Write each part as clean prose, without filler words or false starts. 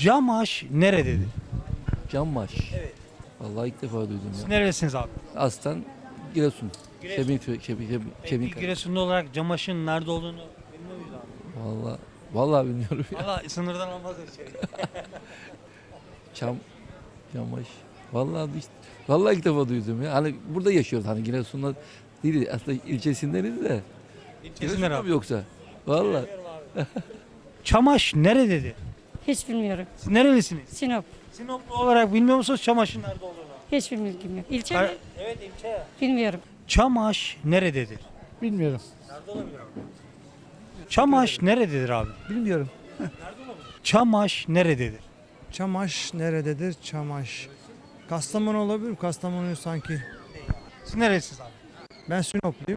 Camaş nerededir? Canmaş. Evet. Vallahi ilk defa duydum Siz ya. nerelisiniz abi? Aslen Giresun. Giresun. Şebin. Peki Giresunlu olarak Camaş'ın nerede olduğunu bilmiyor muyuz abi? Vallahi bilmiyorum ya. Valla sınırdan olmaz öyle şey. Canmaş. Vallahi ilk defa duydum ya. Hani burada yaşıyoruz hani Giresun'da değil aslında ilçesindeniz de. İlçesinden Giresun'da abi. mı yoksa? Vallahi. Çamaş nerededir? Hiç bilmiyorum. Siz nerelisiniz? Sinop. Sinoplu olarak bilmiyor musunuz Çamaş'ın nerede olduğunu? Hiçbir bilgim yok. İlçe mi? Evet ilçe ya. Bilmiyorum. Çamaş nerededir? Bilmiyorum. Nerede olabilir abi? Çamaş nerededir abi? Bilmiyorum. Çamaş nerededir? Çamaş nerededir? Çamaş. Kastamonu olabilir mi? Kastamonu sanki. Siz nerelisiniz abi? Ben Sinopluyum.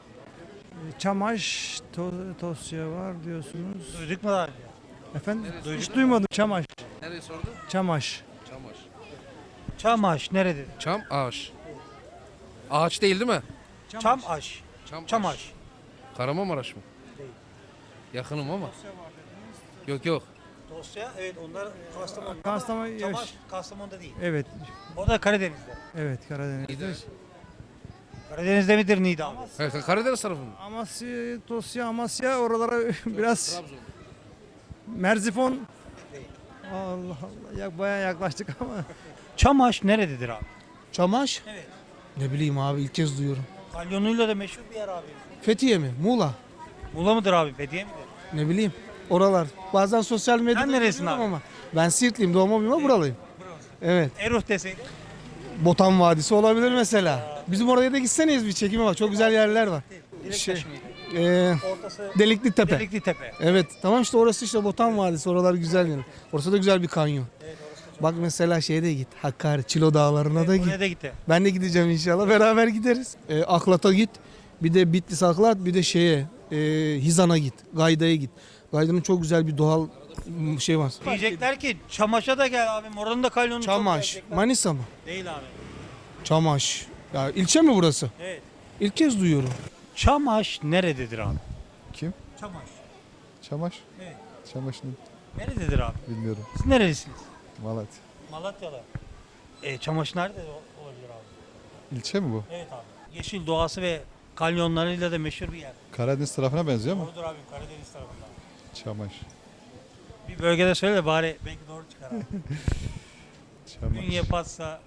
Çamaş, Tosya var diyorsunuz. Duyduk mu daha önce? Efendim? Hiç duymadım. Çamaş. Nereye sordun? Çamaş. Çamaş. Çamaş nerededir? Çam ağaç. Ağaç değil mi? Çamaş. Çamaş. Kahramanmaraş mı? Değil. Yakınım ama. Yok. Dosya evet onlar Kastamonu. Kastamonu. Çamaş Kastamonu'da değil. Evet. O da Karadeniz'de. Evet Karadeniz'de. İyi. Karadeniz'de midir Niğde abi? Karadeniz tarafı mı? Amasya, Tosya, Amasya oralara biraz Trabzon. Merzifon. Allah Allah. Ya bayağı yaklaştık ama. Çamaş nerededir abi? Çamaş? Evet. Ne bileyim abi ilk kez duyuyorum. Kalyonuyla da meşhur bir yer abi. Fethiye mi? Muğla? Muğla mıdır abi? Fethiye midir? Ne bileyim. Oralar. Bazen sosyal medyada Sen neresin görüyorum abi? ama. Ben Siirtliyim. Doğma büyüme buralıyım. Evet. Eruh deseydin. Botan Vadisi olabilir mesela. Bizim oraya da gitseniz bir çekime bak. Çok güzel yerler var. Şey, Ortası Delikli Tepe. Delikli Tepe. Evet. Tamam işte orası işte Botan Vadisi. Oralar güzel yani. Orası da güzel bir kanyon. Bak mesela şeye de git. Hakkari, Çilo Dağları'na da git. Oraya da gitti. Ben de gideceğim inşallah. Beraber gideriz. Aklat'a git. Bir de Bitlis Aklat. Bir de Hizan'a git. Gayda'ya git. Gayda'nın çok güzel bir doğal şey var. Diyecekler ki Çamaş'a da gel abim. Oranın da kalyonu çok Çamaş. diyecekler. Manisa mı? Değil abi. Çamaş. Ya ilçe mi burası? Evet. İlk kez duyuyorum. Çamaş nerededir abi? Kim? Çamaş. Çamaş? Evet. Çamaş'ın Nerededir abi? bilmiyorum. Siz nerelisiniz? Malatya. Malatya'da. Çamaş nerede olabilir abi? İlçe mi bu? Evet abi. Yeşil doğası ve kanyonlarıyla da meşhur bir yer. Karadeniz tarafına benziyor mu? Doğrudur abim Karadeniz tarafında. Çamaş. Bir bölgede söyle de bari belki doğru çıkar abi. Çamaş. Ünye Patsa.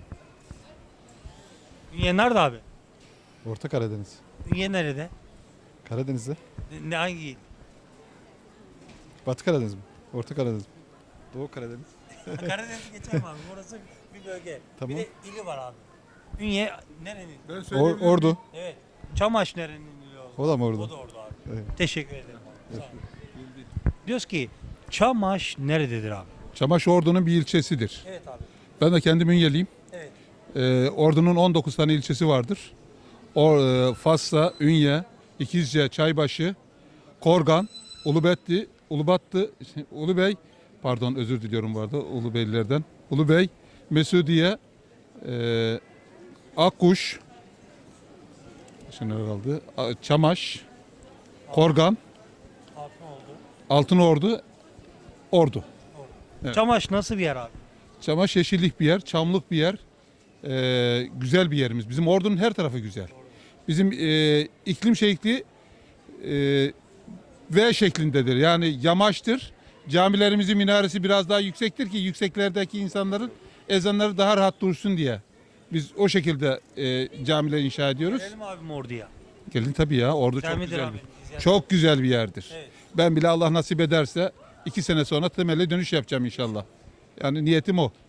Ünye nerede abi? Orta Karadeniz. Ünye nerede? Karadeniz'de. Ne hangi? Batı Karadeniz mi? Orta Karadeniz mi? Doğu Karadeniz. Karadeniz'i geçelim abi. Orası bir bölge. Tamam. Bir de ili var abi. Ünye nerenin? Ordu. Evet. Çamaş nerenin ili oldu? O da mı Ordu? O da orada abi. Evet. Teşekkür ederim. Sağ olun. Diyoruz ki Çamaş nerededir abi? Çamaş Ordu'nun bir ilçesidir. Evet abi. Ben de kendi Ünyeliyim. Evet. Ordu'nun 19 tane ilçesi vardır. Fasla, Ünye, İkizce, Çaybaşı, Korgan, Ulubey, pardon özür diliyorum bu arada Ulubeylilerden. Ulubey, Mesudiye, Akkuş, şimdi kaldı. Çamaş, Korgan, Altınordu, Ordu. Evet. Çamaş nasıl bir yer abi? Çamaş yeşillik bir yer, çamlık bir yer. Güzel bir yerimiz. Bizim Ordu'nun her tarafı güzel. Bizim iklim şekli V şeklindedir. Yani yamaçtır. Camilerimizin minaresi biraz daha yüksektir ki yükseklerdeki insanların ezanları daha rahat dursun diye. Biz o şekilde camiler inşa ediyoruz. Gelelim abim Ordu'ya. Gelin tabii ya. Ordu Güzel çok midir güzel. abi? Çok güzel bir yerdir. Evet. Ben bile Allah nasip ederse 2 sene sonra temelle dönüş yapacağım inşallah. Yani niyetim o.